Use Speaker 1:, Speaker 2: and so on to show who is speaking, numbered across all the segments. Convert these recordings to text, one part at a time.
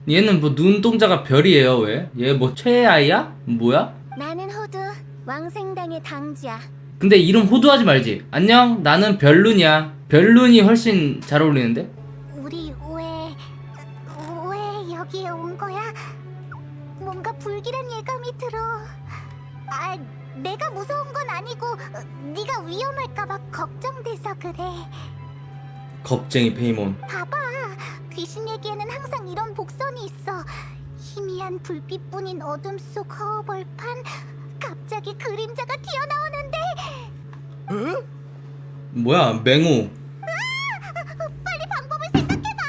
Speaker 1: 얘는 뭐 눈동자가 별이에요. 왜? 얘 뭐 최애아이야? 뭐야?
Speaker 2: 나는 호두, 왕생당의 당지야.
Speaker 1: 근데 이름 호두하지 말지. 안녕, 나는 별룬이야. 별룬이 훨씬 잘 어울리는데?
Speaker 2: 우리 왜 여기에 온 거야? 뭔가 불길한 예감이 들어. 아, 내가 무서운 건 아니고 네가 위험할까봐 걱정돼서 그래.
Speaker 1: 겁쟁이 페이몬.
Speaker 2: 봐봐, 귀신에게는 항상 이런 복선이 있어. 희미한 불빛뿐인 어둠 속 허벌판, 갑자기 그림자가 튀어나오는데.
Speaker 1: 뭐야, 맹우.
Speaker 2: 빨리 방법을 생각해봐.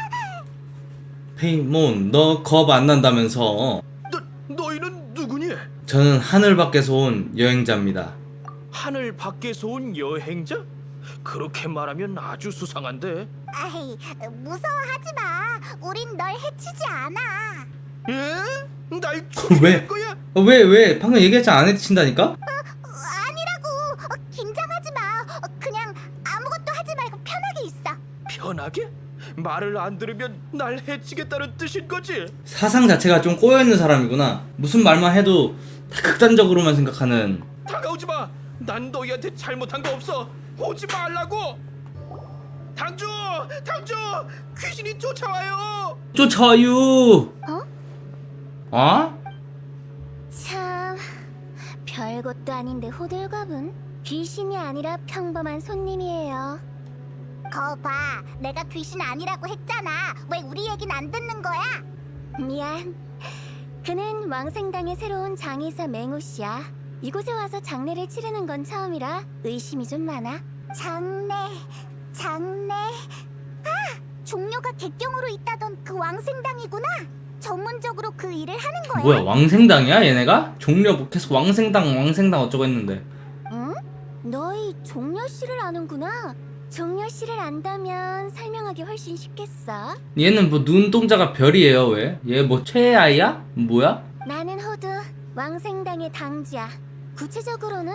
Speaker 1: 페이몬, 너 겁 안 난다면서.
Speaker 3: 너희는 누구니?
Speaker 1: 저는 하늘 밖에서 온 여행자입니다.
Speaker 3: 하늘 밖에서 온 여행자? 그렇게 말하면 아주 수상한데.
Speaker 2: 아이, 무서워하지 마. 우린 널 해치지 않아.
Speaker 3: 예? 날
Speaker 1: 왜?
Speaker 3: 죽일 거야?
Speaker 1: 왜? 방금 얘기했잖아, 안 해친다니까?
Speaker 2: 아니라고. 긴장하지 마. 그냥 아무것도 하지 말고 편하게 있어.
Speaker 3: 편하게? 말을 안 들으면 날 해치겠다는 뜻인 거지?
Speaker 1: 사상 자체가 좀 꼬여있는 사람이구나. 무슨 말만 해도 다 극단적으로만 생각하는.
Speaker 3: 다가오지 마. 난 너희한테 잘못한 거 없어. 오지 말라고. 당주, 귀신이 쫓아와요.
Speaker 1: 쫓아요. 어?
Speaker 2: 참, 별것도 아닌데 호들갑은 귀신이 아니라 평범한 손님이에요. 거봐, 내가 귀신 아니라고 했잖아. 왜 우리 얘긴 안 듣는 거야? 미안. 그는 왕생당의 새로운 장의사 맹우씨야. 이곳에 와서 장례를 치르는 건 처음이라 의심이 좀 많아. 장례. 종료가 객경으로 있다던 그 왕생당이구나. 전문적으로 그 일을 하는 거야.
Speaker 1: 뭐야, 왕생당이야 얘네가? 종려 뭐 계속 왕생당 어쩌고 했는데.
Speaker 2: 응? 너희 종려 씨를 아는구나. 종려 씨를 안다면 설명하기 훨씬 쉽겠어.
Speaker 1: 얘는 뭐 눈동자가 별이에요. 왜? 얘 뭐 최애아이야? 뭐야?
Speaker 2: 나는 호두, 왕생당의 당지야. 구체적으로는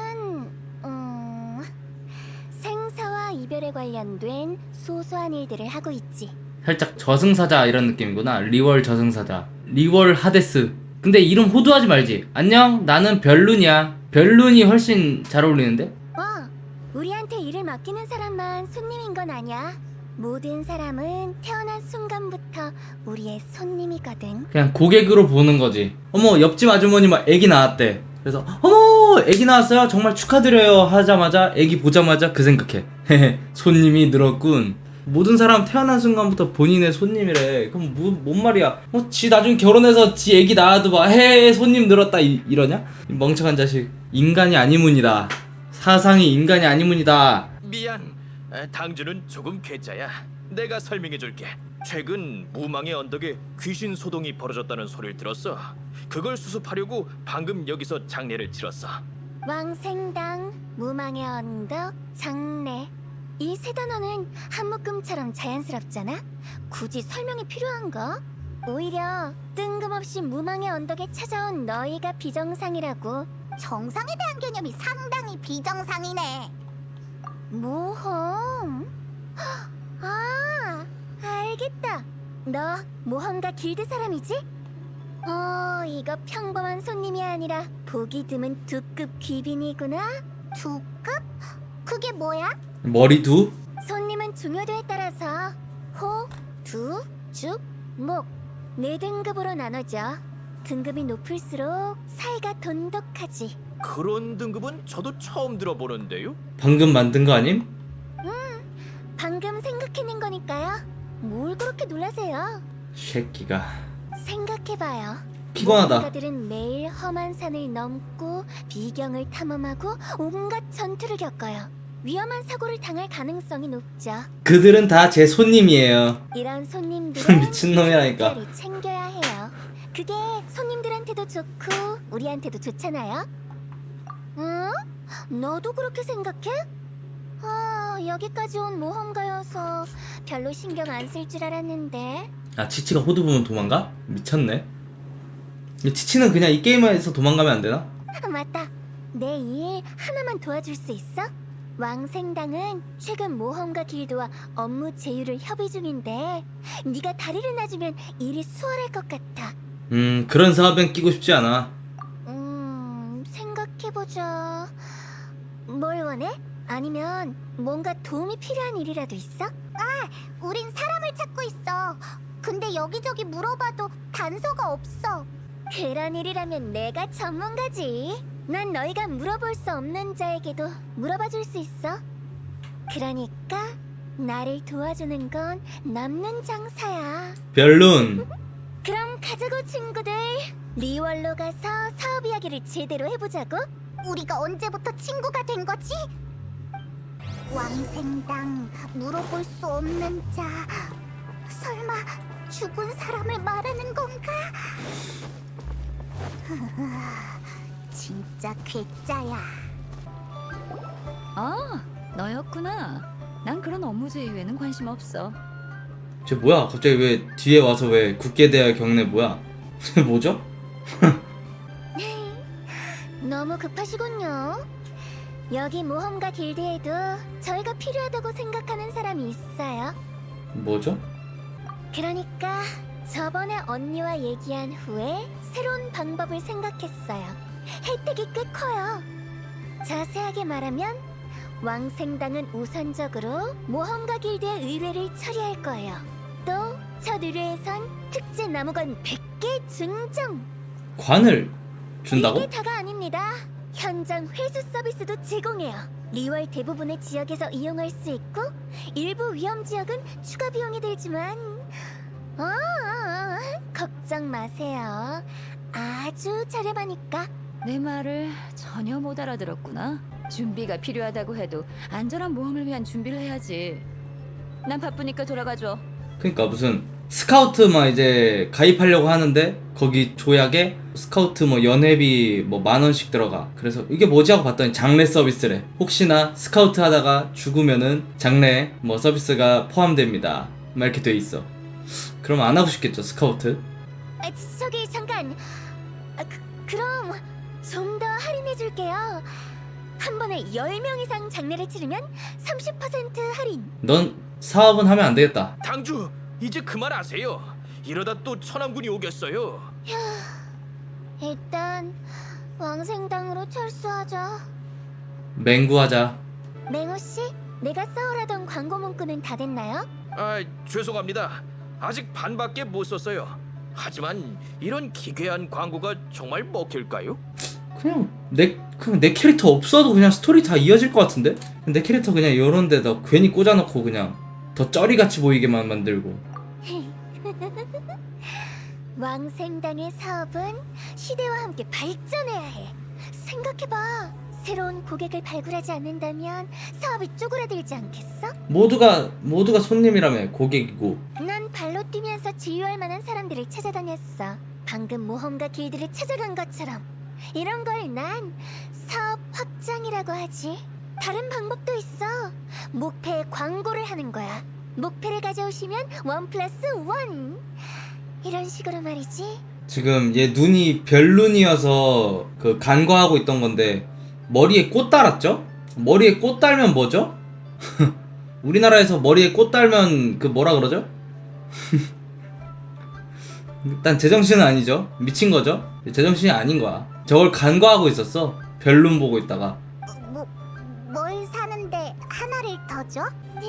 Speaker 2: 생사와 이별에 관련된 소소한 일들을 하고 있지.
Speaker 1: 살짝 저승사자 이런 느낌이구나. 리월 저승사자. 리월 하데스. 근데 이름 호두하지 말지. 안녕, 나는 별룬이야. 별룬이 훨씬 잘 어울리는데?
Speaker 2: 우리한테 일을 맡기는 사람만 손님인 건 아니야. 모든 사람은 태어난 순간부터 우리의 손님이거든.
Speaker 1: 그냥 고객으로 보는 거지. 어머, 옆집 아주머니 막 애기 낳았대. 그래서 어머, 애기 낳았어요? 정말 축하드려요 하자마자 애기 보자마자 그 생각해. 헤헤, 손님이 늘었군. 모든 사람 태어난 순간부터 본인의 손님이래. 그럼 뭔 말이야? 지 나중에 결혼해서 지 애기 낳아도 막 헤 손님 늘었다 이러냐? 이 멍청한 자식. 인간이 아니문이다. 사상이 인간이 아니문이다.
Speaker 3: 미안. 당주는 조금 괴짜야. 내가 설명해 줄게. 최근 무망의 언덕에 귀신 소동이 벌어졌다는 소리를 들었어. 그걸 수습하려고 방금 여기서 장례를 치렀어.
Speaker 2: 왕생당, 무망의 언덕, 장례. 이 세 단어는 한 묶음처럼 자연스럽잖아? 굳이 설명이 필요한가? 오히려 뜬금없이 무망의 언덕에 찾아온 너희가 비정상이라고. 정상에 대한 개념이 상당히 비정상이네. 모험? 알겠다. 너 모험가 길드 사람이지? 이거 평범한 손님이 아니라 보기 드문 두급 귀빈이구나. 두급? 그게 뭐야?
Speaker 1: 머리두?
Speaker 2: 손님은 중요도에 따라서 호, 두, 죽, 목 네 등급으로 나눠져. 등급이 높을수록 사이가 돈독하지.
Speaker 3: 그런 등급은 저도 처음 들어보는데요.
Speaker 1: 방금 만든 거 아님?
Speaker 2: 방금 생각해낸 거니까요. 뭘 그렇게 놀라세요?
Speaker 1: 새끼가.
Speaker 2: 생각해봐요.
Speaker 1: 피곤하다.
Speaker 2: 모험가들은 매일 험한 산을 넘고 비경을 탐험하고 온갖 전투를 겪어요. 위험한 사고를 당할 가능성이 높죠.
Speaker 1: 그들은 다 제 손님이에요.
Speaker 2: 이런 손님들은
Speaker 1: 미친놈이라니까.
Speaker 2: 특별히 챙겨야 해요. 그게 손님들한테도 좋고 우리한테도 좋잖아요. 응? 너도 그렇게 생각해? 여기까지 온 모험가여서 별로 신경 안 쓸 줄 알았는데.
Speaker 1: 아, 치치가 호두 보면 도망가? 미쳤네. 치치는 그냥 이 게임에서 도망가면 안 되나?
Speaker 2: 맞다. 내 일 하나만 도와줄 수 있어? 왕생당은 최근 모험가 길드와 업무 제휴를 협의 중인데 네가 다리를 놔주면 일이 수월할 것 같아.
Speaker 1: 그런 사업엔 끼고 싶지 않아.
Speaker 2: 생각해보자. 뭘 원해? 아니면 뭔가 도움이 필요한 일이라도 있어? 우린 사람을 찾고 있어. 근데 여기저기 물어봐도 단서가 없어. 그런 일이라면 내가 전문가지. 난 너희가 물어볼 수 없는 자에게도 물어봐줄 수 있어. 그러니까 나를 도와주는 건 남는 장사야.
Speaker 1: 별론.
Speaker 2: 그럼 가자고 친구들. 리월로 가서 사업 이야기를 제대로 해보자고. 우리가 언제부터 친구가 된 거지? 왕생당 물어볼 수 없는 자. 설마 죽은 사람을 말하는 건가? 진짜 괴짜야.
Speaker 4: 아, 너였구나. 난 그런 업무 제휴에는 관심 없어.
Speaker 1: 쟤 뭐야? 갑자기 왜 뒤에 와서 왜 국계대학 경례 뭐야? 쟤 뭐죠?
Speaker 2: 너무 급하시군요. 여기 모험가 길드에도 저희가 필요하다고 생각하는 사람이 있어요.
Speaker 1: 뭐죠?
Speaker 2: 그러니까 저번에 언니와 얘기한 후에 새로운 방법을 생각했어요. 혜택이 꽤 커요. 자세하게 말하면 왕생당은 우선적으로 모험가 길드의 의뢰를 처리할 거예요. 또 첫 의뢰에선 특제 나무건 100개 증정!
Speaker 1: 관을 준다고?
Speaker 2: 이게 다가 아닙니다. 현장 회수 서비스도 제공해요. 리월 대부분의 지역에서 이용할 수 있고 일부 위험 지역은 추가 비용이 들지만 걱정 마세요. 아주 저렴하니까.
Speaker 4: 내 말을 전혀 못 알아들었구나. 준비가 필요하다고 해도 안전한 모험을 위한 준비를 해야지. 난 바쁘니까 돌아가줘.
Speaker 1: 그러니까 무슨 스카우트 막 이제 가입하려고 하는데 거기 조약에 스카우트 뭐 연회비 뭐 10,000원씩 들어가. 그래서 이게 뭐지 하고 봤더니 장례 서비스래. 혹시나 스카우트 하다가 죽으면은 장례 뭐 서비스가 포함됩니다. 막 이렇게 돼 있어. 그럼 안 하고 싶겠죠 스카우트?
Speaker 2: 저기 잠깐. 그럼 좀 더 할인해 줄게요. 한 번에 10명 이상 장례를 치르면 30% 할인.
Speaker 1: 넌 사업은 하면 안 되겠다.
Speaker 3: 당주 이제 그만하세요. 이러다 또 천왕군이 오겠어요.
Speaker 2: 일단 왕생당으로 철수하자.
Speaker 1: 맹구하자.
Speaker 2: 맹호 씨, 내가 써오라던 광고 문구는 다 됐나요?
Speaker 3: 아, 죄송합니다. 아직 반밖에 못 썼어요. 하지만 이런 기괴한 광고가 정말 먹힐까요?
Speaker 1: 그냥 내 캐릭터 없어도 그냥 스토리 다 이어질 것 같은데? 내 캐릭터 그냥 이런 데다 괜히 꽂아놓고 그냥 더 쩌리같이 보이게만 만들고.
Speaker 2: 왕생당의 사업은 시대와 함께 발전해야 해. 생각해봐. 새로운 고객을 발굴하지 않는다면 사업이 쪼그라들지 않겠어?
Speaker 1: 모두가 손님이라며 고객이고.
Speaker 2: 난 발로 뛰면서 지휘할 만한 사람들을 찾아다녔어. 방금 모험가 길드를 찾아간 것처럼. 이런 걸 난 사업 확장이라고 하지. 다른 방법도 있어. 목패에 광고를 하는 거야. 목패를 가져오시면 1+1. 이런 식으로 말이지.
Speaker 1: 지금 얘 눈이 별눈이어서 그 간과하고 있던 건데 머리에 꽃 달았죠? 머리에 꽃 달면 뭐죠? 우리나라에서 머리에 꽃 달면 그 뭐라 그러죠? 일단 제정신은 아니죠. 미친 거죠. 제정신이 아닌 거야. 저걸 간과하고 있었어. 별눈 보고 있다가.
Speaker 2: 뭘 사는데 하나를 더 줘?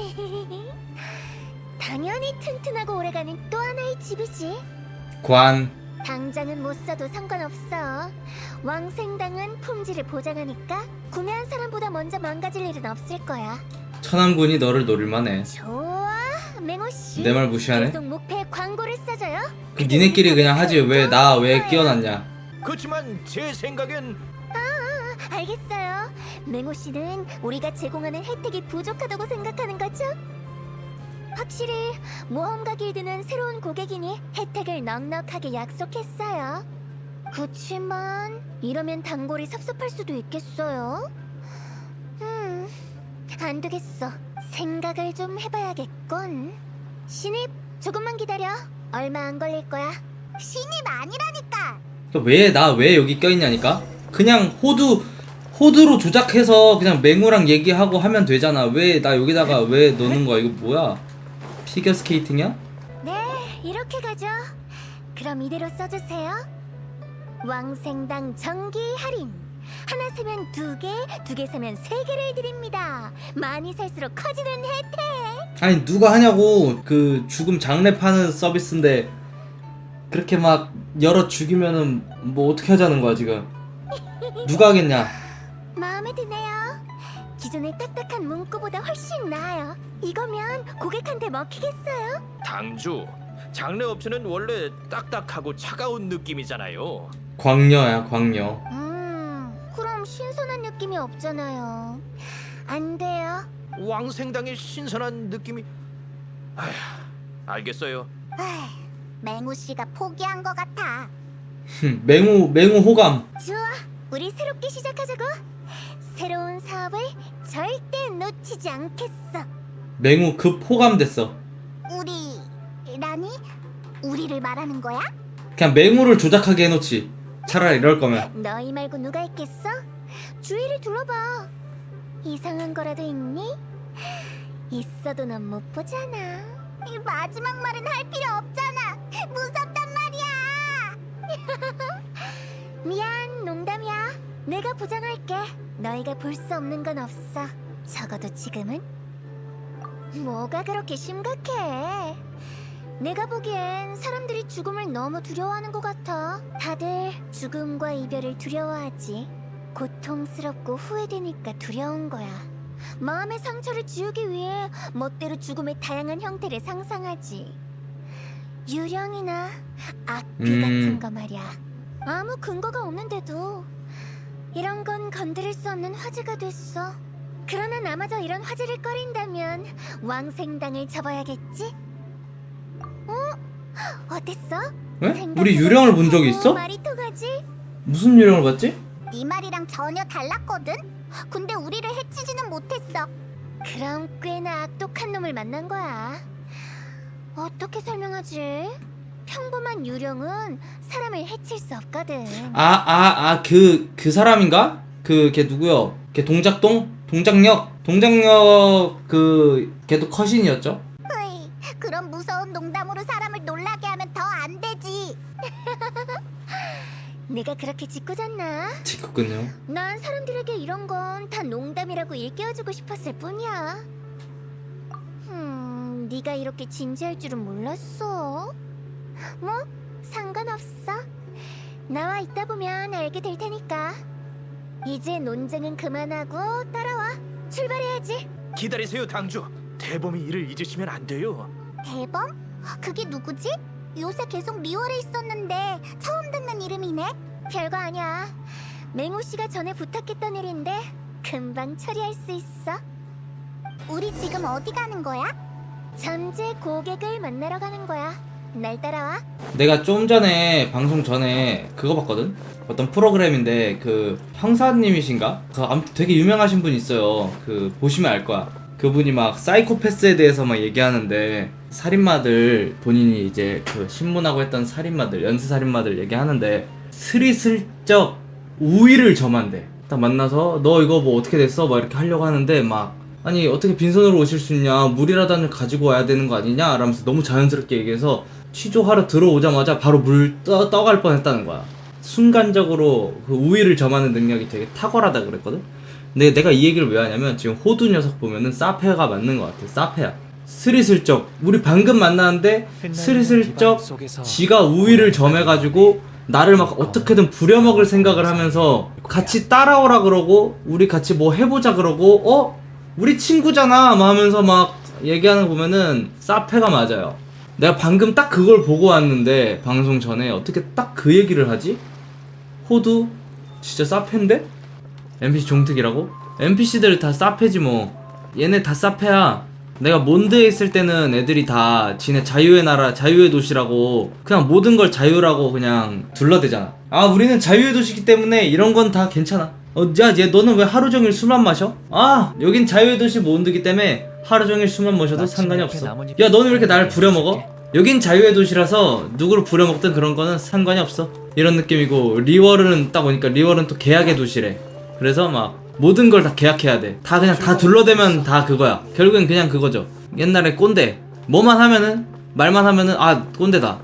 Speaker 2: 당연히 튼튼하고 오래가는 또 하나의 집이지.
Speaker 1: 관.
Speaker 2: 당장은 못 사도 상관없어. 왕생당은 품질을 보장하니까 구매한 사람보다 먼저 망가질 일은 없을 거야.
Speaker 1: 천왕군이 너를 노릴만해.
Speaker 2: 좋아, 맹호씨.
Speaker 1: 내 말 무시하네?
Speaker 2: 계속 목표에 광고를 써줘요.
Speaker 1: 그 니네끼리 그냥 하지 왜 나 왜 끼워놨냐.
Speaker 3: 그렇지만 제 생각엔
Speaker 2: 알겠어요. 맹호씨는 우리가 제공하는 혜택이 부족하다고 생각하는 거죠? 확실히 모험가 길드는 새로운 고객이니 혜택을 넉넉하게 약속했어요. 그치만 이러면 단골이 섭섭할 수도 있겠어요. 안 되겠어. 생각을 좀 해봐야겠군. 신입, 조금만 기다려. 얼마 안 걸릴 거야. 신입 아니라니까.
Speaker 1: 왜 여기 껴있냐니까? 그냥 호드로 조작해서 그냥 맹우랑 얘기하고 하면 되잖아. 왜 나 여기다가 왜 넣는 거야? 이거 뭐야? 피겨 스케이팅이야?
Speaker 2: 네, 이렇게 가죠. 그럼 이대로 써주세요. 왕생당 정기 할인. 하나 사면 2개, 2개 사면 3개를 드립니다. 많이 살수록 커지는 혜택.
Speaker 1: 아니 누가 하냐고. 그 죽음 장례 파는 서비스인데 그렇게 막 열어 죽이면은 뭐 어떻게 하자는 거야 지금? 누가 하겠냐?
Speaker 2: 마음에 드네요. 기존의 딱딱한 문구보다 훨씬 나아요. 이거면 고객한테 먹히겠어요?
Speaker 3: 당주, 장례 업체는 원래 딱딱하고 차가운 느낌이잖아요.
Speaker 1: 광녀야 광녀.
Speaker 2: 그럼 신선한 느낌이 없잖아요. 안 돼요.
Speaker 3: 왕생당의 신선한 느낌이... 아휴, 알겠어요.
Speaker 2: 에휴, 맹우 씨가 포기한 것 같아.
Speaker 1: 맹우 호감.
Speaker 2: 좋아, 우리 새롭게 시작하자고. 새로운 사업을 절대 놓치지 않겠어.
Speaker 1: 맹우 급 호감됐어.
Speaker 2: 라니? 우리를 말하는 거야?
Speaker 1: 그냥 맹우를 조작하게 해놓지. 차라리 이럴 거면.
Speaker 2: 너희 말고 누가 있겠어? 주위를 둘러봐. 이상한 거라도 있니? 있어도 넌 못 보잖아. 이 마지막 말은 할 필요 없잖아. 무섭단 말이야. 미안, 농담이야. 내가 보장할게. 너희가 볼 수 없는 건 없어. 적어도 지금은. 뭐가 그렇게 심각해? 내가 보기엔 사람들이 죽음을 너무 두려워하는 것 같아. 다들 죽음과 이별을 두려워하지. 고통스럽고 후회되니까 두려운 거야. 마음의 상처를 지우기 위해 멋대로 죽음의 다양한 형태를 상상하지. 유령이나 악귀 같은 거 말이야. 아무 근거가 없는데도 이런 건 건드릴 수 없는 화제가 됐어. 그러나 나마저 이런 화제를 꺼린다면 왕생당을 접어야겠지? 어땠어?
Speaker 1: 왜? 우리 유령을 본 적이 있어?
Speaker 2: 말이 통하지?
Speaker 1: 무슨 유령을 봤지?
Speaker 2: 네 말이랑 전혀 달랐거든? 근데 우리를 해치지는 못했어. 그럼 꽤나 악독한 놈을 만난 거야. 어떻게 설명하지? 평범한 유령은 사람을 해칠 수 없거든.
Speaker 1: 그 사람인가? 걔 누구요? 걔 동작력 걔도 컷신이었죠?
Speaker 2: 으이, 그런 무서운 농담으로 사람을 놀라게 하면 더 안 되지. 내가 그렇게 짓궂었나?
Speaker 1: 짓궂군요.
Speaker 2: 난 사람들에게 이런 건 다 농담이라고 일깨워주고 싶었을 뿐이야. 네가 이렇게 진지할 줄은 몰랐어. 뭐, 상관없어. 나와 있다 보면 알게 될 테니까. 이제 논쟁은 그만하고 따라와. 출발해야지.
Speaker 3: 기다리세요, 당주. 대범이 일을 잊으시면 안 돼요.
Speaker 2: 대범? 그게 누구지? 요새 계속 리월에 있었는데 처음 듣는 이름이네. 별거 아니야. 맹우 씨가 전에 부탁했던 일인데 금방 처리할 수 있어. 우리 지금 어디 가는 거야? 잠재 고객을 만나러 가는 거야. 날 따라와.
Speaker 1: 내가 좀 전에 방송 전에 그거 봤거든? 어떤 프로그램인데 그 형사님이신가? 아무튼 되게 유명하신 분 있어요. 보시면 알 거야. 그분이 막 사이코패스에 대해서 막 얘기하는데 살인마들 본인이 이제 신문하고 했던 살인마들 연쇄살인마들 얘기하는데 스리슬쩍 우위를 점한대. 딱 만나서 너 이거 뭐 어떻게 됐어? 막 이렇게 하려고 하는데 막 아니 어떻게 빈손으로 오실 수 있냐 물이라도 가지고 와야 되는 거 아니냐 라면서 너무 자연스럽게 얘기해서 취조하러 들어오자마자 바로 물 떠갈 뻔했다는 거야. 순간적으로 그 우위를 점하는 능력이 되게 탁월하다 그랬거든. 근데 내가 이 얘기를 왜 하냐면 지금 호두 녀석 보면은 사페가 맞는 것 같아. 사페야. 스리슬쩍 우리 방금 만났는데 스리슬쩍 지가 우위를 점해가지고 나를 막 어떻게든 부려먹을 생각을 하면서 같이 따라오라 그러고 우리 같이 뭐 해보자 그러고 우리 친구잖아 막 하면서 막 얘기하는 거 보면은 사페가 맞아요. 내가 방금 딱 그걸 보고 왔는데 방송 전에 어떻게 딱 그 얘기를 하지? 호두 진짜 사페인데? NPC 종특이라고? NPC들 다 사페지 뭐. 얘네 다 사페야. 내가 몬드에 있을 때는 애들이 다 지네 자유의 나라 자유의 도시라고 그냥 모든 걸 자유라고 그냥 둘러대잖아. 우리는 자유의 도시기 때문에 이런 건 다 괜찮아. 얘 너는 왜 하루 종일 술만 마셔? 여긴 자유의 도시 몬드기 때문에 하루 종일 술만 마셔도 상관이 없어. 야 너는 왜 이렇게 나를 부려먹어? 여긴 자유의 도시라서 누구를 부려먹든 그런 거는 상관이 없어. 이런 느낌이고 리월은 딱 보니까 리월은 또 계약의 도시래. 그래서 막 모든 걸 다 계약해야 돼. 다 그냥 다 둘러대면 다 그거야. 결국엔 그냥 그거죠. 옛날에 꼰대. 뭐만 하면은 말만 하면은 아 꼰대다.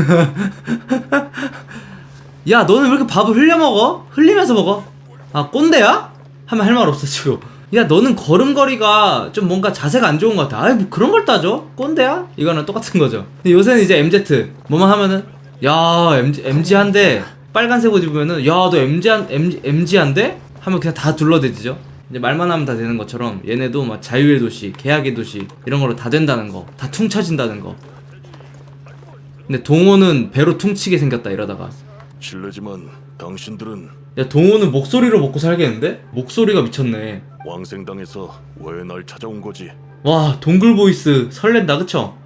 Speaker 1: 야 너는 왜 이렇게 밥을 흘려 먹어? 흘리면서 먹어? 아 꼰대야? 하면 할 말 없어지고. 야 너는 걸음걸이가 좀 뭔가 자세가 안 좋은 것 같아. 아이 뭐 그런 걸 따져? 꼰대야? 이거는 똑같은 거죠. 근데 요새는 이제 MZ 뭐만 하면은 야 MG한데 빨간색 옷 입으면은 야 너 MG한데? 하면 그냥 다 둘러대지죠. 이제 말만 하면 다 되는 것처럼 얘네도 막 자유의 도시, 계약의 도시 이런 걸로 다 된다는 거, 다 퉁쳐진다는 거. 근데 동호는 배로 퉁치게 생겼다 이러다가.
Speaker 5: 실례지만 당신들은
Speaker 1: 야 동호는 목소리로 먹고 살겠는데? 목소리가 미쳤네.
Speaker 5: 왕생당에서 왜 날 찾아온 거지?
Speaker 1: 와 동굴 보이스 설렌다 그쵸?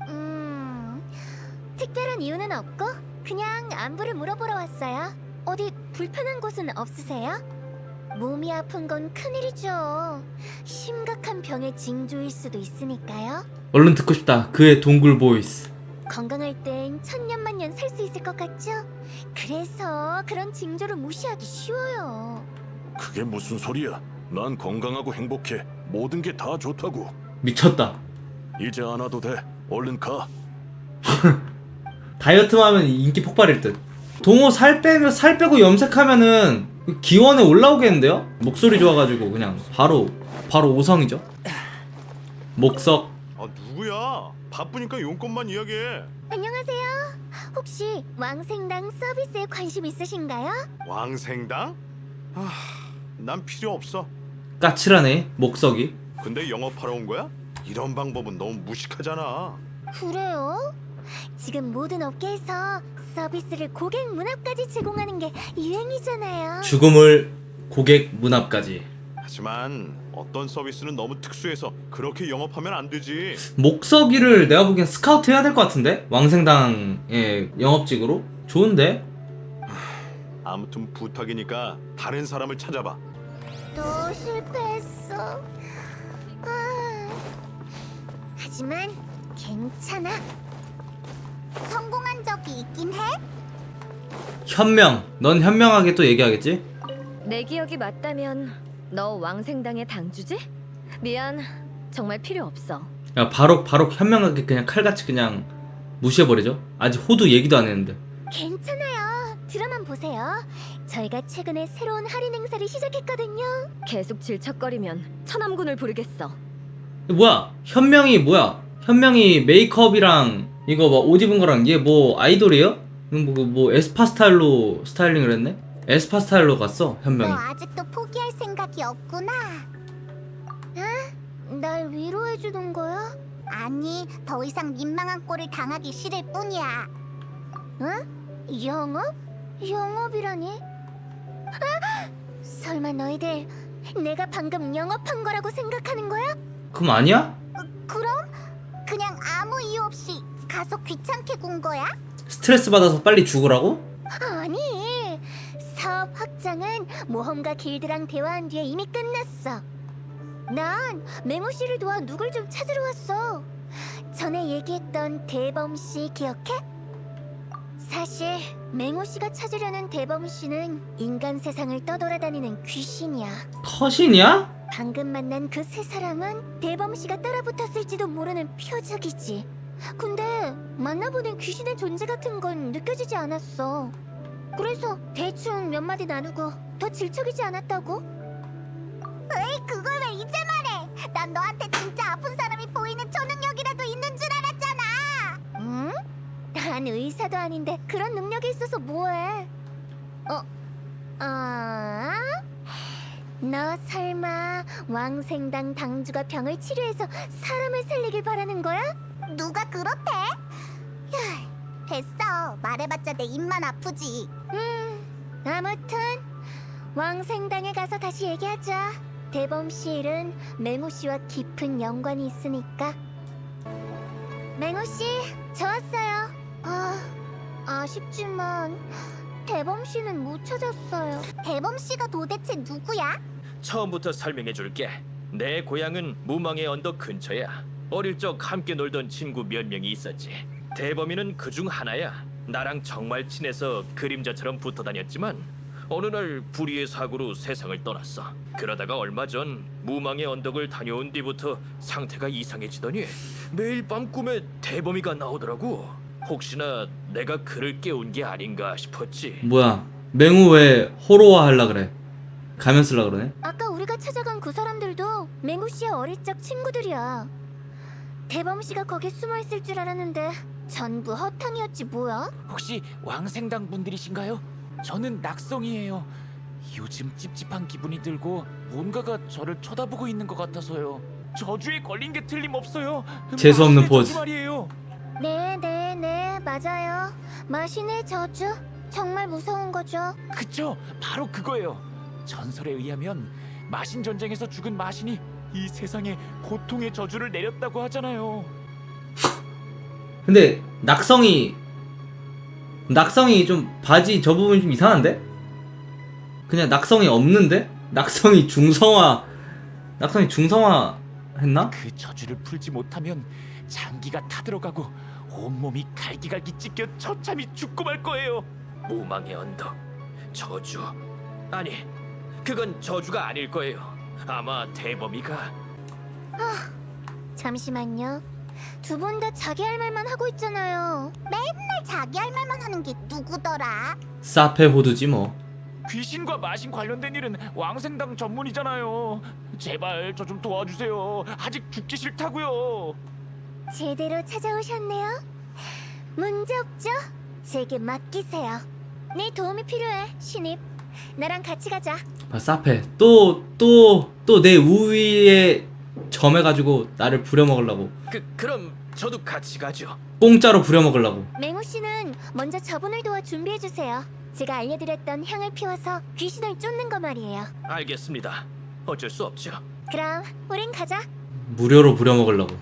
Speaker 2: 특별한 이유는 없고 그냥 안부를 물어보러 왔어요. 어디 불편한 곳은 없으세요? 몸이 아픈 건 큰일이죠. 심각한 병의 징조일 수도 있으니까요.
Speaker 1: 얼른 듣고 싶다 그의 동굴 보이스.
Speaker 2: 건강할 땐 천년만년 살 수 있을 것 같죠? 그래서 그런 징조를 무시하기 쉬워요.
Speaker 5: 그게 무슨 소리야? 난 건강하고 행복해. 모든 게 다 좋다고.
Speaker 1: 미쳤다.
Speaker 5: 이제 안 와도 돼. 얼른 가.
Speaker 1: 다이어트만 하면 인기 폭발일 듯. 동호 살 빼고 염색하면은 기원에 올라오겠는데요? 목소리 좋아가지고 그냥 바로 5성이죠. 목석.
Speaker 6: 아 누구야? 바쁘니까 용건만 이야기해.
Speaker 2: 안녕하세요. 혹시 왕생당 서비스에 관심 있으신가요?
Speaker 6: 왕생당? 난 필요 없어.
Speaker 1: 까칠하네 목석이.
Speaker 6: 근데 영업하러 온 거야? 이런 방법은 너무 무식하잖아.
Speaker 2: 그래요? 지금 모든 업계에서 서비스를 고객 문 앞까지 제공하는 게 유행이잖아요.
Speaker 1: 죽음을 고객 문 앞까지.
Speaker 6: 하지만 어떤 서비스는 너무 특수해서 그렇게 영업하면 안 되지.
Speaker 1: 목석이를 내가 보기엔 스카우트 해야 될 것 같은데? 왕생당의 영업직으로? 좋은데?
Speaker 6: 아무튼 부탁이니까 다른 사람을 찾아봐.
Speaker 2: 또 실패했어. 하지만 괜찮아. 성공한 적이 있긴 해.
Speaker 1: 현명. 넌 현명하게 또 얘기하겠지?
Speaker 4: 내 기억이 맞다면 너 왕생당의 당주지? 미안, 정말 필요 없어.
Speaker 1: 야 바로 현명하게 그냥 칼같이 그냥 무시해버리죠. 아직 호두 얘기도 안 했는데.
Speaker 2: 괜찮아요. 드라마 보세요. 저희가 최근에 새로운 할인 행사를 시작했거든요.
Speaker 4: 계속 질척거리면 천암군을 부르겠어.
Speaker 1: 뭐야 현명이 메이크업이랑 이거 막 옷 입은 거랑 얘 뭐 아이돌이에요? 뭐 에스파 스타일로 스타일링을 했네? 에스파 스타일로 갔어 현명이.
Speaker 2: 너 아직도 포기할 생각이 없구나. 응? 날 위로해주는 거야? 아니, 더 이상 민망한 꼴을 당하기 싫을 뿐이야. 응? 영업? 영업이라니? 설마 너희들 내가 방금 영업한 거라고 생각하는 거야?
Speaker 1: 그럼 아니야?
Speaker 2: 그럼? 그냥 아무 이유 없이 가서 귀찮게 군 거야?
Speaker 1: 스트레스 받아서 빨리 죽으라고?
Speaker 2: 아니, 사업 확장은 모험가 길드랑 대화한 뒤에 이미 끝났어. 난 맹호 씨를 도와 누굴 좀 찾으러 왔어. 전에 얘기했던 대범 씨 기억해? 사실 맹호 씨가 찾으려는 대범 씨는 인간 세상을 떠돌아다니는 귀신이야.
Speaker 1: 커신이야?
Speaker 2: 방금 만난 그 세 사람은 대범 씨가 따라붙었을지도 모르는 표적이지. 근데 만나보는 귀신의 존재 같은 건 느껴지지 않았어. 그래서 대충 몇 마디 나누고 더 질척이지 않았다고? 에이, 그걸 왜 이제 말해? 난 너한테 진짜 아픈 사람이 보이는 초능력이라도 있는 줄 알았잖아. 응? 난 의사도 아닌데 그런 능력이 있어서 뭐해? 너 설마 왕생당 당주가 병을 치료해서 사람을 살리길 바라는 거야? 누가 그렇대? 됐어. 말해봤자 내 입만 아프지. 아무튼 왕생당에 가서 다시 얘기하자. 대범 씨 일은 맹호 씨와 깊은 연관이 있으니까. 맹호 씨, 저 왔어요. 아쉽지만 대범 씨는 못 찾았어요. 대범 씨가 도대체 누구야?
Speaker 3: 처음부터 설명해 줄게. 내 고향은 무망의 언덕 근처야. 어릴 적 함께 놀던 친구 몇 명이 있었지. 대범이는 그중 하나야. 나랑 정말 친해서 그림자처럼 붙어 다녔지만 어느 날 불의의 사고로 세상을 떠났어. 그러다가 얼마 전 무망의 언덕을 다녀온 뒤부터 상태가 이상해지더니 매일 밤 꿈에 대범이가 나오더라고. 혹시나 내가 그를 깨운 게 아닌가 싶었지.
Speaker 1: 뭐야, 맹우 왜 호러화 하려 그래? 가면 쓰려 그러네?
Speaker 2: 아까 우리가 찾아간 그 사람들도 맹우 씨의 어릴 적 친구들이야. 대범 씨가 거기 숨어 있을 줄 알았는데 전부 허탕이었지 뭐야?
Speaker 7: 혹시 왕생당 분들이신가요? 저는 낙성이에요. 요즘 찝찝한 기분이 들고 뭔가가 저를 쳐다보고 있는 것 같아서요. 저주에 걸린 게 틀림없어요.
Speaker 1: 재수없는
Speaker 7: 마신의
Speaker 1: 포즈.
Speaker 7: 저주 말이에요.
Speaker 2: 네, 맞아요. 마신의 저주 정말 무서운 거죠.
Speaker 7: 그쵸? 바로 그거예요. 전설에 의하면 마신 전쟁에서 죽은 마신이 이 세상에 고통의 저주를 내렸다고 하잖아요.
Speaker 1: 근데 낙성이 좀 바지 저 부분이 좀 이상한데? 그냥 낙성이 없는데? 낙성이 중성화 했나?
Speaker 7: 그 저주를 풀지 못하면 장기가 타들어가고 온몸이 갈기갈기 찢겨 처참히 죽고 말 거예요.
Speaker 3: 무망의 언덕, 저주. 아니, 그건 저주가 아닐 거예요. 아마 대범이가
Speaker 2: 잠시만요. 두 분 다 자기 할 말만 하고 있잖아요. 맨날 자기 할 말만 하는 게 누구더라?
Speaker 1: 사페 호두지 뭐.
Speaker 7: 귀신과 마신 관련된 일은 왕생당 전문이잖아요. 제발 저 좀 도와주세요. 아직 죽기 싫다고요.
Speaker 2: 제대로 찾아오셨네요. 문제 없죠? 제게 맡기세요. 네 도움이 필요해, 신입. 나랑 같이 가자.
Speaker 1: 아, 사페 또 내 우위에 점해가지고 나를 부려먹으려고,
Speaker 3: 그럼 저도 같이 가죠.
Speaker 1: 공짜로 부려먹으려고.
Speaker 2: 맹우 씨는 먼저 저분을 도와 준비해 주세요. 제가 알려드렸던 향을 피워서 귀신을 쫓는 거 말이에요.
Speaker 3: 알겠습니다. 어쩔 수 없죠.
Speaker 2: 그럼 우린 가자.
Speaker 1: 무료로 부려먹으려고.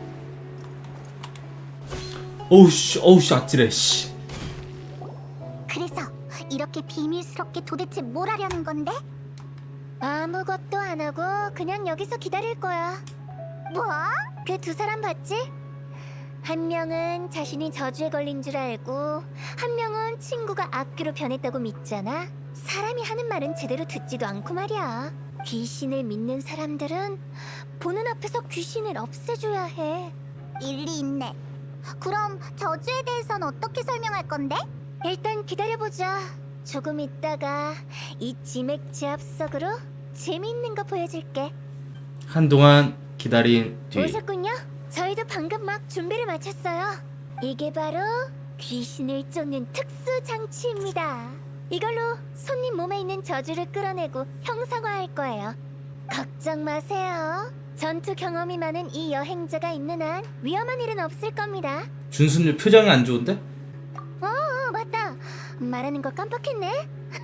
Speaker 1: 어우씨 아찔해 씨.
Speaker 2: 그래서 이렇게 비밀스럽게 도대체 뭘 하려는 건데? 아무것도 안 하고 그냥 여기서 기다릴 거야. 뭐? 그 두 사람 봤지? 한 명은 자신이 저주에 걸린 줄 알고 한 명은 친구가 악귀로 변했다고 믿잖아. 사람이 하는 말은 제대로 듣지도 않고 말이야. 귀신을 믿는 사람들은 보는 앞에서 귀신을 없애줘야 해. 일리 있네. 그럼 저주에 대해선 어떻게 설명할 건데? 일단 기다려보자. 조금 있다가 이 지맥 제압석으로 재미있는 거 보여줄게.
Speaker 1: 한동안 기다린 뒤.
Speaker 2: 오셨군요. 저희도 방금 막 준비를 마쳤어요. 이게 바로 귀신을 쫓는 특수 장치입니다. 이걸로 손님 몸에 있는 저주를 끌어내고 형상화할 거예요. 걱정 마세요. 전투 경험이 많은 이 여행자가 있는 한 위험한 일은 없을 겁니다.
Speaker 1: 준수님 표정이 안 좋은데?
Speaker 2: 맞다. 말하는 거 깜빡했네.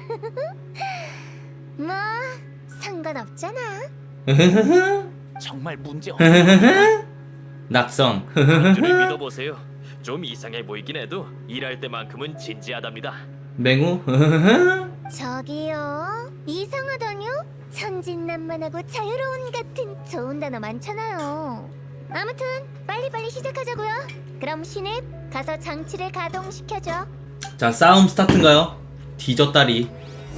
Speaker 2: 뭐 상관없잖아.
Speaker 7: 정말 문제 없는
Speaker 1: 낙성.
Speaker 3: 당신을 믿어보세요. 좀 이상해 보이긴 해도 일할 때만큼은 진지하답니다.
Speaker 1: 맹우.
Speaker 2: 저기요. 이상하다뇨? 천진난만하고 자유로운 같은 좋은 단어 많잖아요. 아무튼 빨리빨리 시작하자고요. 그럼 신입 가서 장치를 가동시켜줘.
Speaker 1: 자, 싸움 스타트인가요? 뒤졌다리.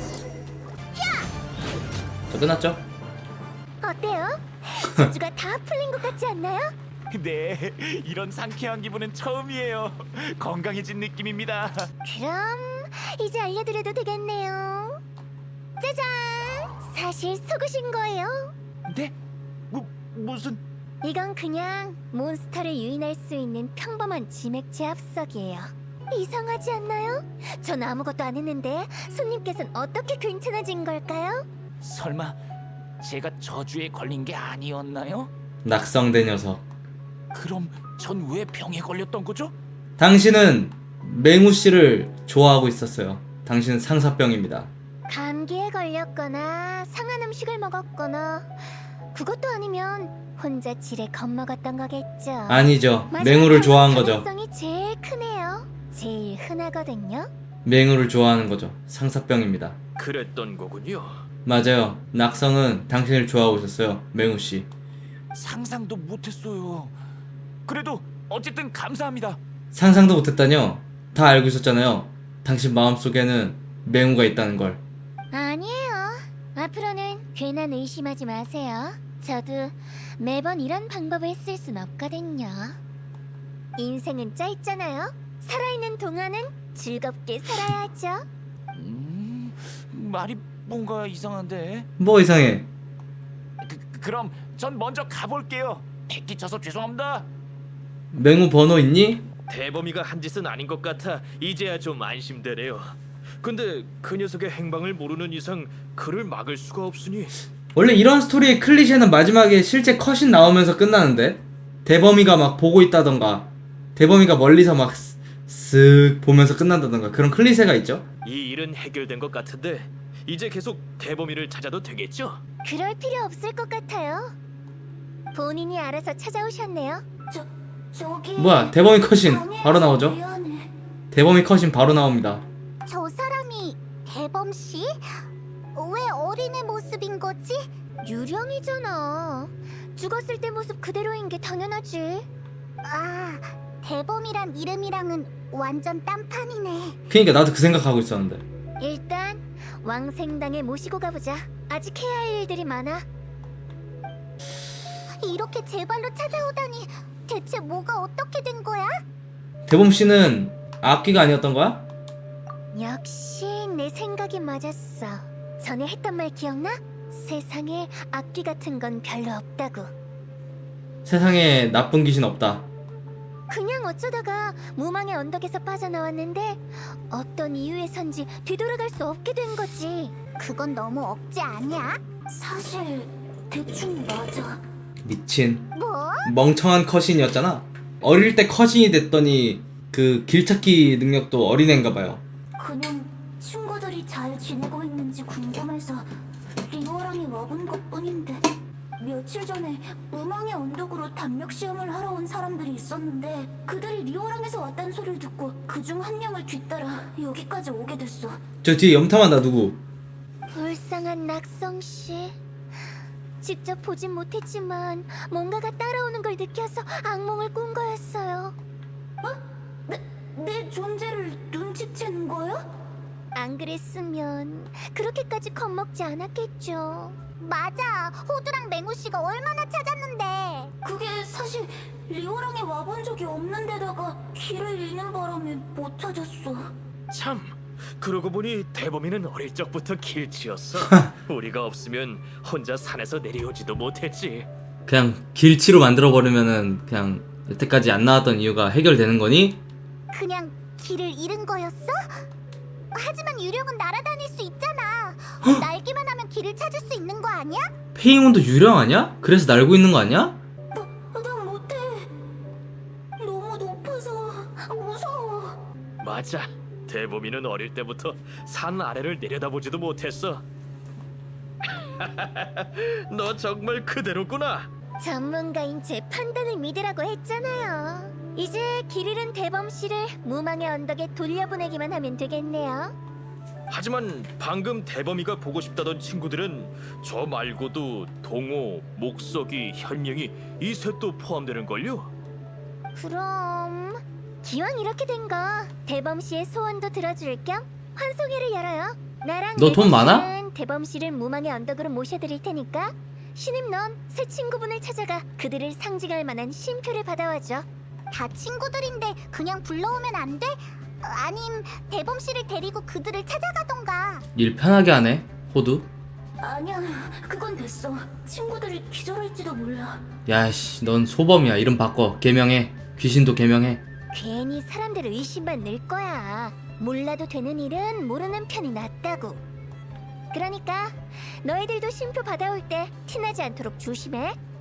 Speaker 1: 자, 끝났죠?
Speaker 2: 어때요? 저주가 다 풀린 것 같지 않나요?
Speaker 7: 네, 이런 상쾌한 기분은 처음이에요. 건강해진 느낌입니다.
Speaker 2: 그럼 이제 알려드려도 되겠네요. 짜잔! 사실 속으신 거예요.
Speaker 7: 네? 무슨...
Speaker 2: 이건 그냥 몬스터를 유인할 수 있는 평범한 지맥 제압석이에요. 이상하지 않나요? 전 아무것도 안 했는데 손님께서는 어떻게 괜찮아진 걸까요?
Speaker 7: 설마 제가 저주에 걸린 게 아니었나요?
Speaker 1: 낙성된 녀석.
Speaker 7: 그럼 전 왜 병에 걸렸던 거죠?
Speaker 1: 당신은 맹우 씨를 좋아하고 있었어요. 당신은 상사병입니다.
Speaker 2: 감기에 걸렸거나 상한 음식을 먹었거나 그것도 아니면 혼자 지레 겁먹었던 거겠죠.
Speaker 1: 아니죠.
Speaker 2: 마지막
Speaker 1: 맹우를 좋아한 거죠.
Speaker 2: 가능성이 제일 크네요. 제일 흔하거든요.
Speaker 1: 맹우를 좋아하는 거죠. 상사병입니다.
Speaker 3: 그랬던 거군요.
Speaker 1: 맞아요. 낙성은 당신을 좋아하고 있었어요. 맹우 씨.
Speaker 7: 상상도 못했어요. 그래도 어쨌든 감사합니다.
Speaker 1: 상상도 못했다뇨. 다 알고 있었잖아요. 당신 마음속에는 맹우가 있다는 걸.
Speaker 2: 아니에요. 앞으로는 괜한 의심하지 마세요. 저도 매번 이런 방법을 쓸 순 없거든요. 인생은 짧잖아요. 살아있는 동안은 즐겁게 살아야죠.
Speaker 7: 말이 뭔가 이상한데.
Speaker 1: 뭐 이상해.
Speaker 7: 그럼 전 먼저 가볼게요. 끼쳐서 죄송합니다.
Speaker 1: 맹우 번호 있니?
Speaker 3: 대범이가 한 짓은 아닌 것 같아 이제야 좀 안심되네요. 근데 그 녀석의 행방을 모르는 이상 그를 막을 수가 없으니
Speaker 1: 원래 이런 스토리의 클리셰는 마지막에 실제 컷신 나오면서 끝나는데, 대범이가 막 보고 있다던가 대범이가 멀리서 막 쓱 보면서 끝난다던가 그런 클리셰가 있죠.
Speaker 3: 이 일은 해결된 것 같은데 이제 계속 대범이를 찾아도 되겠죠?
Speaker 2: 그럴 필요 없을 것 같아요. 본인이 알아서 찾아오셨네요. 저기
Speaker 1: 뭐야, 대범이 컷신 바로 나오죠. 대범이 컷신 바로 나옵니다.
Speaker 2: 저 사람이 대범 씨? 왜 어린애 모습인 거지? 유령이잖아. 죽었을 때 모습 그대로인 게 당연하지. 아, 대범이란 이름이랑은 완전 딴판이네.
Speaker 1: 그니까 나도 그 생각하고 있었는데.
Speaker 2: 일단 왕생당에 모시고 가보자. 아직 해야 할 일들이 많아. 이렇게 제 발로 찾아오다니 대체 뭐가 어떻게 된 거야?
Speaker 1: 대범씨는 악귀가 아니었던 거야?
Speaker 2: 역시 내 생각이 맞았어. 전에 했던 말 기억나? 세상에 악귀 같은 건 별로 없다고.
Speaker 1: 세상에 나쁜 귀신 없다.
Speaker 2: 그냥 어쩌다가 무망의 언덕에서 빠져나왔는데 어떤 이유에선지 뒤돌아갈 수 없게 된 거지. 그건 너무 억지 아니야? 사실 대충 맞아.
Speaker 1: 미친
Speaker 2: 뭐?
Speaker 1: 멍청한 컷신이었잖아. 어릴 때 컷신이 됐더니 그 길찾기 능력도 어린애인가 봐요.
Speaker 2: 그냥 친구들이 잘 지내고 있는지 궁금해서 리오랑이 와본 것뿐인데. 며칠 전에 무망의 언덕으로 담력 시험을 하러 온 사람들이 있었는데 그들이 리오랑에서 왔다는 소리를 듣고 그중 한 명을 뒤따라 여기까지 오게 됐어.
Speaker 1: 저 뒤에 염탐한다. 누구?
Speaker 2: 불쌍한 낙성씨. 직접 보진 못했지만 뭔가가 따라오는 걸 느껴서 악몽을 꾼 거였어요. 내 존재를 눈치채는 거야? 안 그랬으면 그렇게까지 겁먹지 않았겠죠. 맞아. 호두랑 맹우씨가 얼마나 찾았는데. 그게 사실 리오랑에 와본 적이 없는데다가 길을 잃는 바람에 못 찾았어.
Speaker 3: 참 그러고 보니 대범이는 어릴 적부터 길치였어. 우리가 없으면 혼자 산에서 내려오지도 못했지.
Speaker 1: 그냥 길치로 만들어버리면은 그냥 여태까지 안 나왔던 이유가 해결되는 거니?
Speaker 2: 그냥 길을 잃은 거였어? 하지만 유령은 날아다닐 수 있잖아. 날기만 하면 길을 찾을 수 있는 거 아니야?
Speaker 1: 페이몬도 유령 아니야? 그래서 날고 있는 거 아니야?
Speaker 2: 난 못해. 너무 높아서 무서워.
Speaker 3: 맞아. 대범이는 어릴 때부터 산 아래를 내려다보지도 못했어. 너 정말 그대로구나.
Speaker 2: 전문가인 제 판단을 믿으라고 했잖아요. 이제 길 잃은 대범 씨를 무망의 언덕에 돌려보내기만 하면 되겠네요.
Speaker 3: 하지만 방금 대범이가 보고 싶다던 친구들은 저 말고도 동호, 목석이, 현명이 이 셋도 포함되는걸요?
Speaker 2: 그럼 기왕 이렇게 된 거 대범 씨의 소원도 들어줄 겸 환송회를 열어요. 나랑
Speaker 1: 너돈 많아?
Speaker 2: 는 대범 씨를 무망의 언덕으로 모셔드릴 테니까 신임 넌 새 친구분을 찾아가 그들을 상징할 만한 쉼표를 받아와줘. 다 친구들인데 그냥 불러오면 안 돼? 아님 대범 씨를 데리고 그들을 찾아가던가.
Speaker 1: 일 편하게 하네 호두.
Speaker 2: 아니야, 그건 됐어. 친구들이 기절할지도 몰라.
Speaker 1: 야씨, 넌 소범이야. 이름 바꿔. 개명해. 귀신도 개명해.
Speaker 2: 괜히 사람들을 의심만 늘 거야. 몰라도 되는 일은 모르는 편이 낫다고. 그러니까 너희들도 쉼표 받아올 때 티나지 않도록 조심해.